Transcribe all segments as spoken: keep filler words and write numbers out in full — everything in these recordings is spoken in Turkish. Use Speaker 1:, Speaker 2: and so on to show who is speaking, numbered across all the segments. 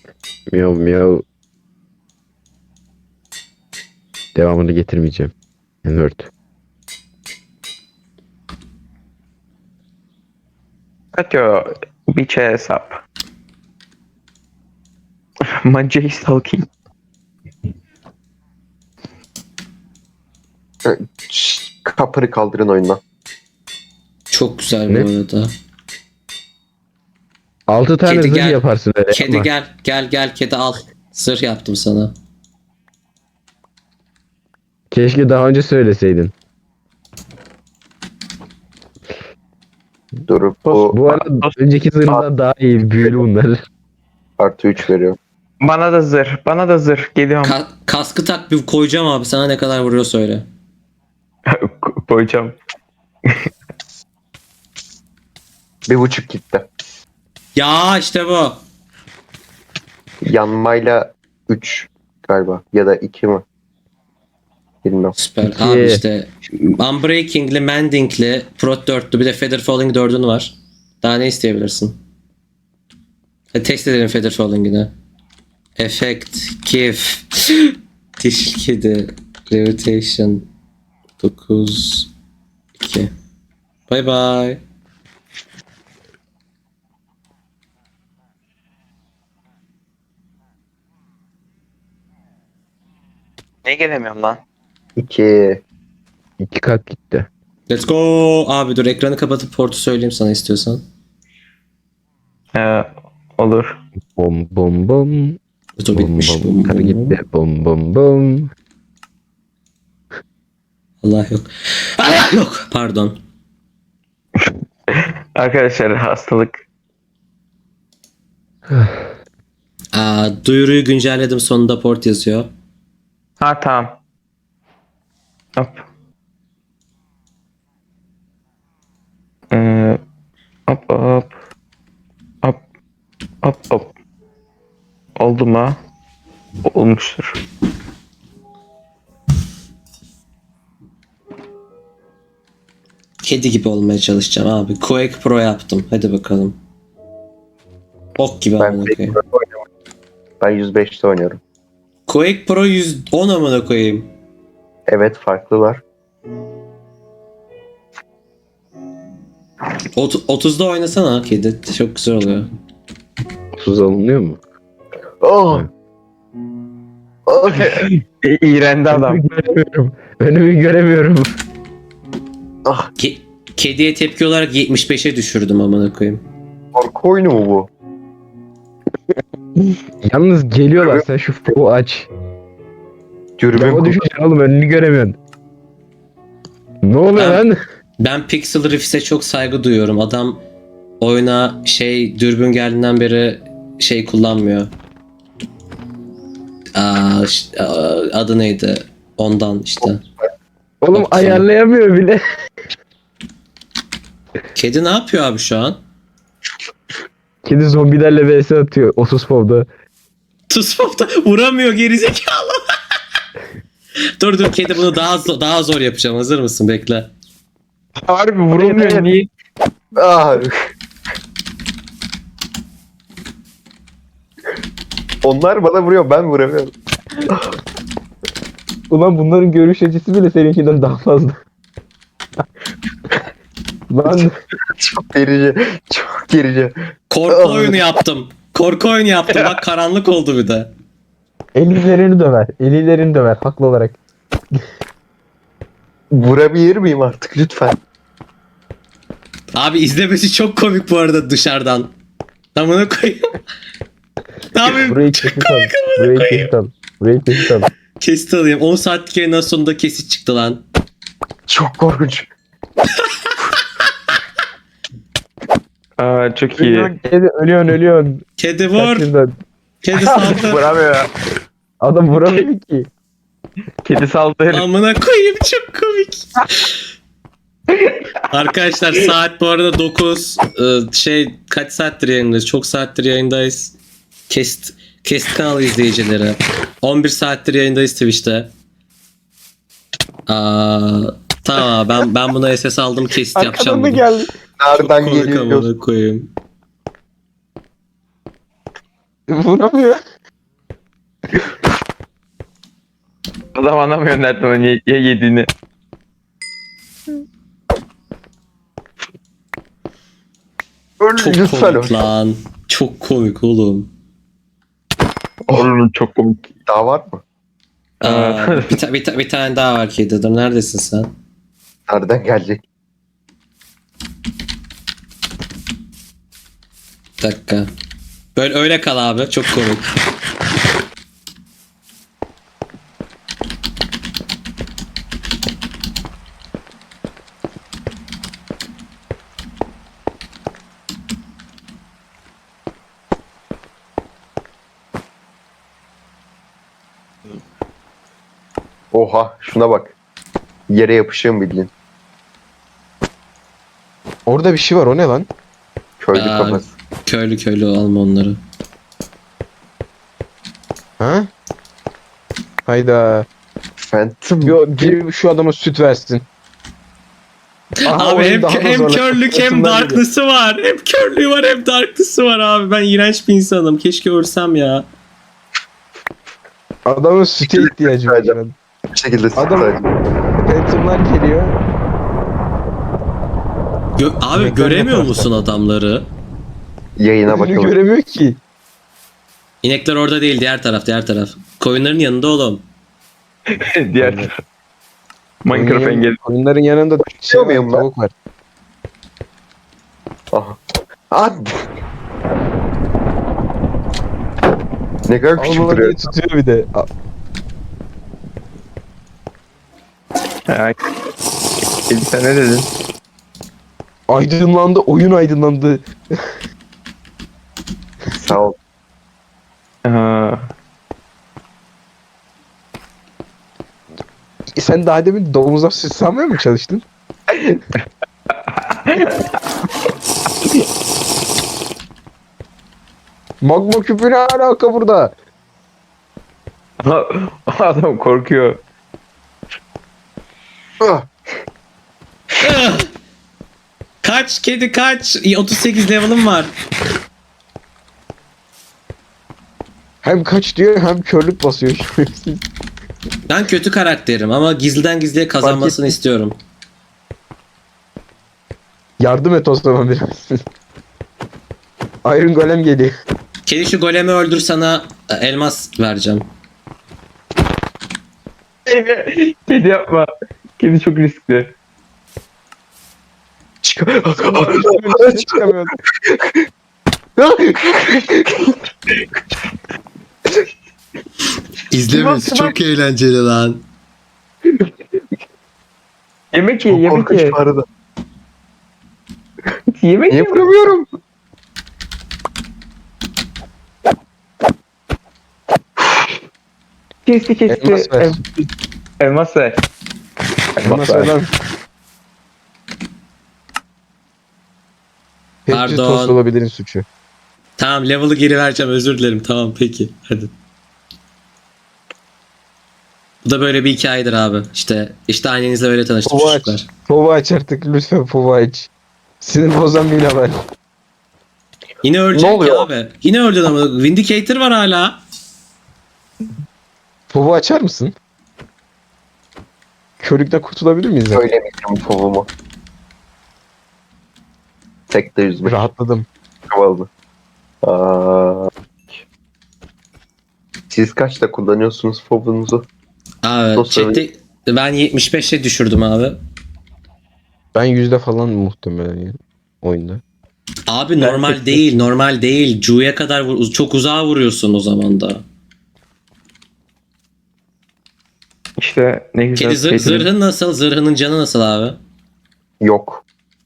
Speaker 1: Miyav miyav. Devamını getirmeyeceğim. N-word.
Speaker 2: Katyo biçe hesap. Mancayı stalking.
Speaker 3: Şşş, Kapırı kaldırın oyundan.
Speaker 4: Çok güzel
Speaker 1: Ne?
Speaker 4: bu arada.
Speaker 1: Altı tane
Speaker 4: Kedi
Speaker 1: zırh
Speaker 4: gel.
Speaker 1: yaparsın öyle.
Speaker 4: Kedi
Speaker 1: yapma.
Speaker 4: gel. Gel gel kedi al. Zırh yaptım sana.
Speaker 1: Keşke daha önce söyleseydin.
Speaker 3: Dur bu,
Speaker 1: Bu arada önceki zırhlar daha iyi. Büyülü bunlar.
Speaker 3: artı üç veriyor.
Speaker 2: Bana da zırh. Bana da zırh. Geliyorum.
Speaker 4: Ka- kaskı tak bir koyacağım abi. Sana ne kadar vuruyor söyle.
Speaker 2: Koyacağım.
Speaker 3: Bir buçuk gitti.
Speaker 4: Ya işte bu.
Speaker 3: Yanmayla üç galiba. Ya da iki mi? Bilmem.
Speaker 4: Süper.
Speaker 1: İki.
Speaker 4: Abi işte Unbreaking'li, Mending'li, Prot dörtlü bir de Feather Falling dördün var. Daha ne isteyebilirsin? Hadi test edelim Feather Falling'ini. Effect, Kif, Dişil Kedi, Levitation, dokuz, iki. Bye bye.
Speaker 2: Ne gelemiyorum lan?
Speaker 3: iki.
Speaker 1: İki kat gitti.
Speaker 4: Let's go. Abi dur ekranı kapatıp portu söyleyeyim sana istiyorsan.
Speaker 2: Ee, olur.
Speaker 1: Bom bom bom.
Speaker 4: Dur
Speaker 1: Bom
Speaker 4: bitmiş.
Speaker 1: bom. Karı gitti. Bom bom bom.
Speaker 4: Allah yok. Allah yok. Pardon.
Speaker 2: Arkadaşlar hastalık.
Speaker 4: Aa, duyuruyu güncelledim sonunda port yazıyor.
Speaker 2: Ha tamam. Hop. Ee, hop hop. Hop. Hop hop. Oldu mu? Olmuştur.
Speaker 4: Kedi gibi olmaya çalışacağım abi. Quake Pro yaptım. Hadi bakalım. Ok gibi
Speaker 3: Ben,
Speaker 4: amına koyayım.
Speaker 3: ben yüz beşte oynuyorum.
Speaker 4: Quake Pro yüz on amına koyayım.
Speaker 3: Evet farklılar.
Speaker 4: Ot- otuzda oynasana kedi. Çok güzel oluyor.
Speaker 1: Tuz alınıyor mu?
Speaker 3: Oh! Oh!
Speaker 2: İ- İğrendi adam.
Speaker 1: Önümü göremiyorum. Önümü göremiyorum.
Speaker 3: Ah,
Speaker 4: Ke- kediye tepki olarak yetmiş beşe düşürdüm amına koyayım.
Speaker 3: korku oyunu mu bu?
Speaker 1: Yalnız geliyorlar. Sen şu foru aç.
Speaker 3: Dürbün
Speaker 1: Ama
Speaker 3: kullan-
Speaker 1: düşeceksin oğlum. Önünü göremiyorsun. Ne oluyor
Speaker 4: Ben-
Speaker 1: lan?
Speaker 4: Ben Pixel Riffs'e çok saygı duyuyorum. Adam oyuna şey dürbün geldiğinden beri şey kullanmıyor. Aa, ş- aa, adı neydi? Ondan işte.
Speaker 1: Oğlum
Speaker 4: Bak,
Speaker 1: ayarlayamıyor bile.
Speaker 4: Kedi ne yapıyor abi şu an?
Speaker 1: Kedi zombilerle vs atıyor. otuz povda.
Speaker 4: Tuspop'ta vuramıyor gerizekalı. dur dur kedi bunu daha zor, daha zor yapacağım. Hazır mısın? Bekle.
Speaker 2: Harbi vurulmuyor. Niye?
Speaker 3: Ah! Onlar bana vuruyor, ben vuramıyorum.
Speaker 1: Ulan bunların görüş açısı bile seninkinden daha fazla. Lan
Speaker 3: Çok gerici, çok gerici.
Speaker 4: Korku oyunu yaptım. Korku oyunu yaptım. Bak karanlık oldu bir de.
Speaker 1: elilerini döver. Elilerini döver haklı olarak.
Speaker 3: Vurabilir miyim artık lütfen?
Speaker 4: Abi izlemesi çok komik bu arada dışarıdan. Tamına koyayım. Ne yapayım?
Speaker 1: Burayı kesit al. Burayı kesit al. Burayı kesit al.
Speaker 4: Kesit alayım. on saatlik yayından sonunda kesit çıktı lan.
Speaker 3: Çok korkunç.
Speaker 2: Aa, çok iyi.
Speaker 1: Ölüyorsun, kedi, ölüyorsun, ölüyorsun.
Speaker 4: Kedi vur.
Speaker 1: Kaçırdan.
Speaker 4: Kedi saldı.
Speaker 2: Vuramıyor.
Speaker 1: Adam vuramıyor ki.
Speaker 2: Kedi saldı.
Speaker 4: Amına koyayım çok komik. Arkadaşlar saat bu arada dokuz. Ee, şey kaç saattir yayındayız? Çok saattir yayındayız. Kest Kest kanalı izleyicileri. on bir saattir yayındayız Twitch'te. Aa, tamam ben ben buna S S aldım kesit yapacağım.
Speaker 1: Arkadan da
Speaker 4: bunu.
Speaker 1: geldi.
Speaker 4: Çok
Speaker 3: Nereden
Speaker 4: komik
Speaker 3: geliyor?
Speaker 4: amına koyayım.
Speaker 1: Vuramıyor.
Speaker 2: Adam anlamıyor nereden onu ye, ye yediğini.
Speaker 4: Çok
Speaker 3: Lütfen
Speaker 4: komik lan. Çok komik oğlum.
Speaker 2: Oğlum çok komik.
Speaker 3: Daha var mı?
Speaker 4: Aa, bir, ta- bir, ta- bir tane daha var kedi. Dur neredesin sen?
Speaker 3: Nereden gelecek?
Speaker 4: Bir dakika. Böyle öyle kal abi. Çok komik.
Speaker 3: Oha şuna bak. Yere yapışığım bildiğin.
Speaker 1: Orada bir şey var, o ne lan?
Speaker 3: Köylü
Speaker 4: Aa,
Speaker 3: kafası.
Speaker 4: Köylü köylü alma onları.
Speaker 1: Ha? Hayda.
Speaker 3: Phantom.
Speaker 1: Yo, biri şu adama süt versin. Aha,
Speaker 4: Abi
Speaker 1: oyun
Speaker 4: hem,
Speaker 1: daha da
Speaker 4: hem
Speaker 1: zorlaştı.
Speaker 4: körlük hem
Speaker 1: Sırtından
Speaker 4: darkness'ı var. Hem körlüğü var hem darkness'ı var abi. Ben iğrenç bir insanım. Keşke ölsem ya.
Speaker 1: geliyor. Adamın süte ihtiyacı var.
Speaker 3: Adam- Bir şekilde
Speaker 1: Adam-
Speaker 3: sıkıntı.
Speaker 1: Phantom'lar geliyor.
Speaker 4: Gö- abi
Speaker 1: Yemekler
Speaker 4: göremiyor
Speaker 1: ne
Speaker 4: musun adamları?
Speaker 3: Yayına
Speaker 1: Önünü
Speaker 3: bakalım.
Speaker 1: göremiyor ki.
Speaker 4: İnekler orada değil, diğer taraf, diğer taraf. Koyunların yanında oğlum.
Speaker 2: Diğer taraf. Minecraft
Speaker 1: Oyunun-
Speaker 2: engel.
Speaker 1: Oyunların yanında şey var,
Speaker 3: muyum ben?
Speaker 1: tavuk var.
Speaker 3: Aha. Hadi. Ne kadar küçük
Speaker 1: Almalı
Speaker 3: duruyor.
Speaker 1: diye tutuyor bir de. A-
Speaker 2: Ha, Kedi sen ne dedin?
Speaker 1: Aydınlandı, oyun aydınlandı.
Speaker 3: Sağ ol.
Speaker 2: Ha,
Speaker 1: E sen daha demin domuza süt sanmaya mı çalıştın? Magma küpü ne alaka burada?
Speaker 2: adam korkuyor.
Speaker 3: Ah,
Speaker 4: Ah! Kaç kedi kaç. İyi, otuz sekiz level'ım var.
Speaker 1: Hem kaç diyor hem körlük basıyor.
Speaker 4: Ben kötü karakterim ama gizliden gizliye kazanmasını istiyorum.
Speaker 1: Yardım et o zaman biraz. Iron Golem geliyor.
Speaker 4: Kedi şu golemi öldür, sana e, elmas vereceğim.
Speaker 2: Kedi yapma. Kedi çok riskli.
Speaker 1: Üstüne çıkamıyor.
Speaker 4: İzlemesi çok eğlenceli lan.
Speaker 2: Yemek ye,
Speaker 3: Çok
Speaker 2: yemek
Speaker 3: korkunç
Speaker 2: ye.
Speaker 3: bu arada.
Speaker 2: Yemek ye.
Speaker 3: Yapamıyorum.
Speaker 2: Kesti kesti.
Speaker 1: Elmas ver.
Speaker 2: Em- Elmas ver.
Speaker 1: Elmas ver lan. Hepsi
Speaker 4: Pardon.
Speaker 1: tost olabilirin suçu.
Speaker 4: Tamam, level'ı geri vereceğim, özür dilerim. Tamam peki hadi. Bu da böyle bir hikayedir abi. İşte işte annenizle öyle tanıştık
Speaker 1: Baba aç.
Speaker 4: çocuklar.
Speaker 1: Pova aç artık lütfen, pova aç. Sinir bozan bir haber.
Speaker 4: Yine ölecek
Speaker 3: Ne
Speaker 4: ya
Speaker 3: oluyor?
Speaker 4: abi. Yine öldün ama Vindicator var hala.
Speaker 1: Pova açar mısın? Körlükten kurtulabilir miyiz?
Speaker 3: Söylemeyeceğim kovumu. Tek de yüzme.
Speaker 1: Rahatladım.
Speaker 3: Kavaldı. Aa. Siz kaçta kullanıyorsunuz fobunuzu?
Speaker 4: Abi
Speaker 3: Nasıl
Speaker 4: chatte ben yetmiş beşe düşürdüm abi.
Speaker 1: Ben yüzde falan muhtemelen yani oyunda.
Speaker 4: Abi normal değil, normal değil. Cu'ya kadar vur- çok uzağa vuruyorsun o zaman da.
Speaker 2: İşte ne güzel.
Speaker 4: Kedi zır-
Speaker 2: kedinin-
Speaker 4: zırhın nasıl? Zırhının canı nasıl abi?
Speaker 3: Yok.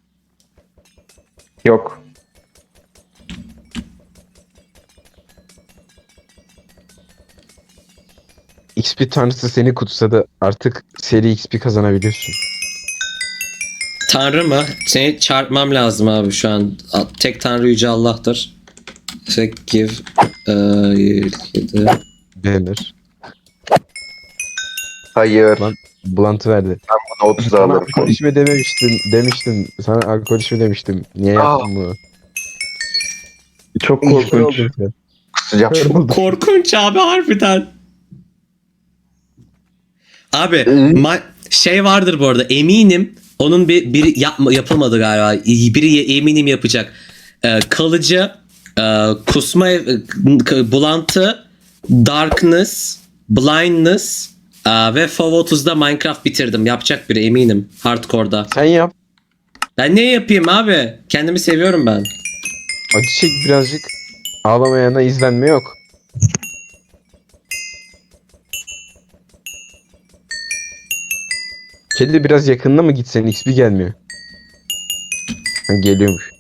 Speaker 2: Yok.
Speaker 1: X P tanrısı seni kutsa da artık seri X P kazanabiliyorsun.
Speaker 4: Tanrı mı? Seni çarpmam lazım abi şu an. Tek tanrı yüce Allah'tır. İşte give eee, kedi.
Speaker 1: Beğenir.
Speaker 3: Hayır.
Speaker 1: Lan. Bulantı verdi.
Speaker 3: Buna otuz
Speaker 1: Sana
Speaker 3: alırım.
Speaker 1: alkol içme dememiştim. Demiştim. Sana alkol içme demiştim. Niye
Speaker 3: Aa.
Speaker 1: yaptın bunu?
Speaker 2: Çok
Speaker 1: Kör
Speaker 2: korkunç.
Speaker 1: oldun sen.
Speaker 3: Kusacağım.
Speaker 1: Kırıldı.
Speaker 4: Korkunç abi harbiden. Abi ma- şey vardır bu arada eminim onun bir biri yapma, yapılmadı galiba. Biri eminim yapacak. Ee, kalıcı e, kusma e, k- bulantı, darkness, blindness e, ve F O V otuzda Minecraft bitirdim. Yapacak biri eminim hardcore'da.
Speaker 1: Sen yap.
Speaker 4: Ben ne yapayım abi? Kendimi seviyorum ben.
Speaker 1: Acı çek birazcık. Ağlamayana izlenme yok. Kedi biraz yakınına mı gitsen X P gelmiyor. Ha, geliyormuş.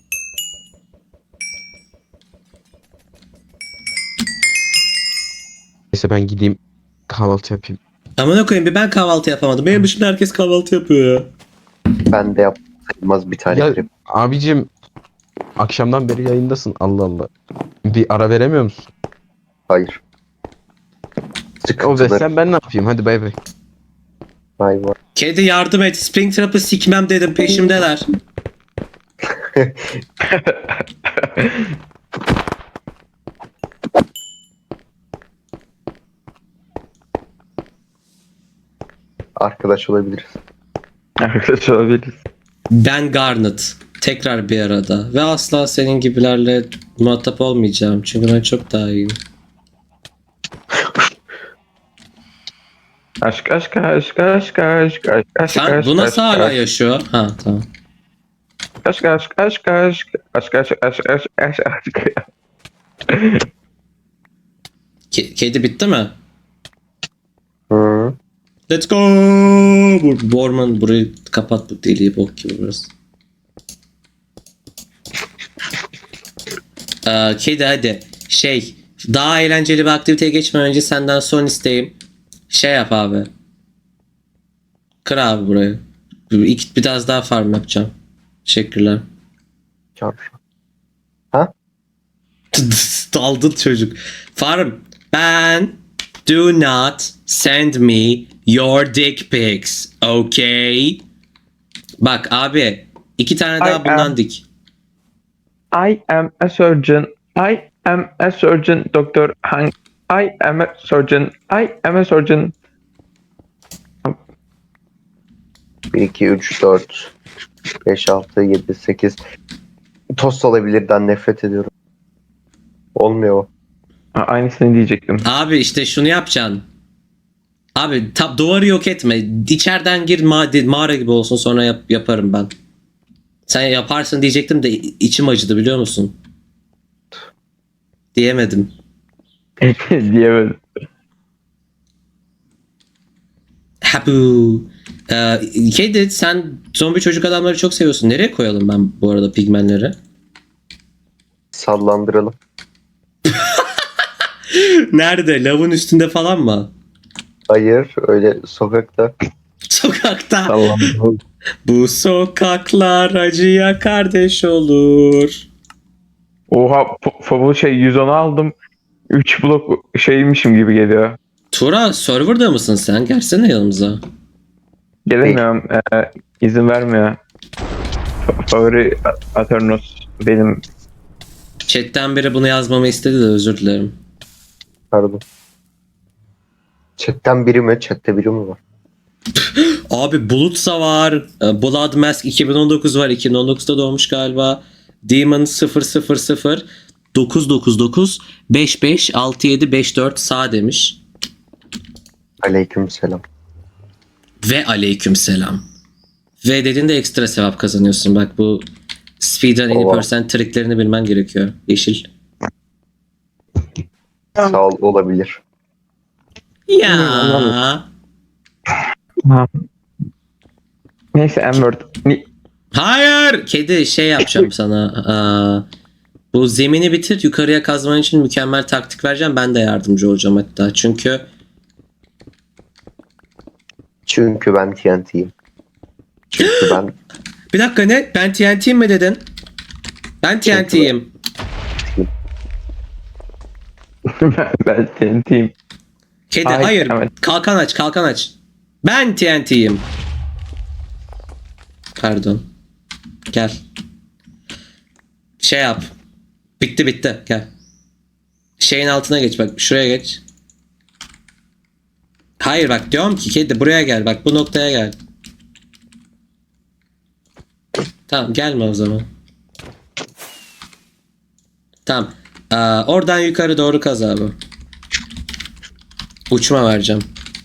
Speaker 1: Neyse ben gideyim kahvaltı yapayım.
Speaker 4: Amına koyayım bir ben kahvaltı yapamadım. Benim dışında herkes kahvaltı yapıyor ya.
Speaker 3: Ben de yaptım sayılmaz bir tane
Speaker 1: Ya
Speaker 3: krep.
Speaker 1: abicim akşamdan beri yayındasın Allah Allah. Bir ara veremiyor musun?
Speaker 3: Hayır.
Speaker 1: O
Speaker 3: Sıkıntıları.
Speaker 1: sen ben ne yapayım hadi bay bay.
Speaker 3: Vay vay.
Speaker 4: Kedi yardım et. Springtrap'ı sikmem dedim peşimdeler.
Speaker 3: Arkadaş olabiliriz.
Speaker 2: Arkadaş olabiliriz.
Speaker 4: Ben Garnet. Tekrar bir arada. Ve asla senin gibilerle muhatap olmayacağım. Çünkü ben çok daha iyiyim.
Speaker 2: Aşk aşk aşk aşk aşk aşk aşk
Speaker 4: Sen
Speaker 2: aşk
Speaker 4: bu nasıl
Speaker 2: aşk,
Speaker 4: hala
Speaker 2: aşk,
Speaker 4: yaşıyor? Ha tamam.
Speaker 2: aşk aşk aşk aşk aşk aşk aşk aşk aşk aşk.
Speaker 4: Ke- kedi bitti mi?
Speaker 3: Hı.
Speaker 4: Let's go. Bu, bu orman burayı kapat bu deliği bok gibi burası. Ee, kedi hadi. Şey daha eğlenceli bir aktiviteye geçmeden önce senden son isteğim. Şey yap abi. Kır abi burayı. Bir, iki, biraz daha farm yapacağım. Teşekkürler.
Speaker 3: Çarşı.
Speaker 4: Daldın çocuk. Farm. Ben do not send me your dick pics. Okay. Bak abi. iki tane daha
Speaker 2: I
Speaker 4: bundan
Speaker 2: am-
Speaker 4: dik.
Speaker 2: I am a surgeon. I am a surgeon. Doktor Hank. I am a surgeon. I am a surgeon.
Speaker 3: bir, iki, üç, dört, beş, altı, yedi, sekiz. Tost olabilirden nefret ediyorum. Olmuyor o.
Speaker 2: Ha, aynısını diyecektim.
Speaker 4: Abi işte şunu yapacaksın. Abi tab duvarı yok etme. İçeriden gir ma- mağara gibi olsun sonra yap- yaparım ben. Sen yaparsın diyecektim de içim acıdı biliyor musun? Diyemedim.
Speaker 2: Diyemedim.
Speaker 4: Habu. Ee, Kedi sen zombi çocuk adamları çok seviyorsun. Nereye koyalım ben bu arada pigmenleri?
Speaker 3: Sallandıralım.
Speaker 4: Nerede? Lavın üstünde falan mı?
Speaker 3: Hayır öyle sokakta.
Speaker 4: Sokakta.
Speaker 2: Tamam.
Speaker 4: Bu sokaklar acıya kardeş olur.
Speaker 2: Oha f- bu şey yüz onu aldım. üç blok şeymişim gibi geliyor.
Speaker 4: Tura serverda mısın sen? Gelsene yanımıza.
Speaker 2: Gelemiyorum. Ee, izin vermiyor. Fa- favori A- Aternos benim.
Speaker 4: Chat'ten biri bunu yazmamı istedi de özür dilerim.
Speaker 3: Pardon. Chatten biri mi? Chatte biri mi var?
Speaker 4: Abi Bulutsa var. e, Blood Mask iki bin on dokuz var. iki bin on dokuzda doğmuş galiba. Demon sıfır sıfır sıfır dokuz dokuz dokuz beş beş altı yedi beş dört sağ demiş.
Speaker 3: Aleyküm selam.
Speaker 4: Ve aleykümselam. Ve dediğinde ekstra sevap kazanıyorsun. Bak bu speedrun any
Speaker 3: Oha.
Speaker 4: percent triklerini bilmen gerekiyor. Yeşil.
Speaker 3: Sağ ol olabilir.
Speaker 4: Ya.
Speaker 2: Ha. Neyse Amber. Ni-
Speaker 4: Hayır. Kedi şey yapacağım sana. Aa, bu zemini bitir. Yukarıya kazman için mükemmel taktik vereceğim. Ben de yardımcı olacağım hatta. Çünkü
Speaker 3: Çünkü ben T N T'yim. Çünkü ben
Speaker 4: bir dakika ne? Ben T N T'yim mi dedin? Ben T N T'yim.
Speaker 2: ben, ben T N T'yim.
Speaker 4: Kedi
Speaker 2: Hayır,
Speaker 4: hayır.
Speaker 2: evet.
Speaker 4: Kalkan aç, kalkan aç. Ben T N T'yim. Pardon. Gel. Şey yap. Bitti bitti. Gel. Şeyin altına geç bak. Şuraya geç. Hayır bak diyorum ki kedi buraya gel. Bak bu noktaya gel. Tamam gelme o zaman. Tamam. Aa, oradan yukarı doğru kaz abi. Uçma vereceğim.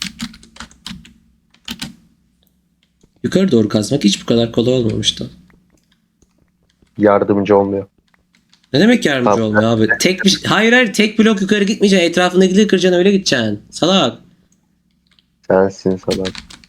Speaker 4: Yukarı doğru kazmak hiç bu kadar kolay olmamıştı.
Speaker 3: Yardımcı olmuyor.
Speaker 4: Ne demek yardımcı
Speaker 3: Tamam.
Speaker 4: olmuyor abi? Tek bir hayır hayır tek blok yukarı gitmeyeceksin. Etrafındakileri kıracaksın öyle gideceksin. Salak.
Speaker 3: Sensin salak.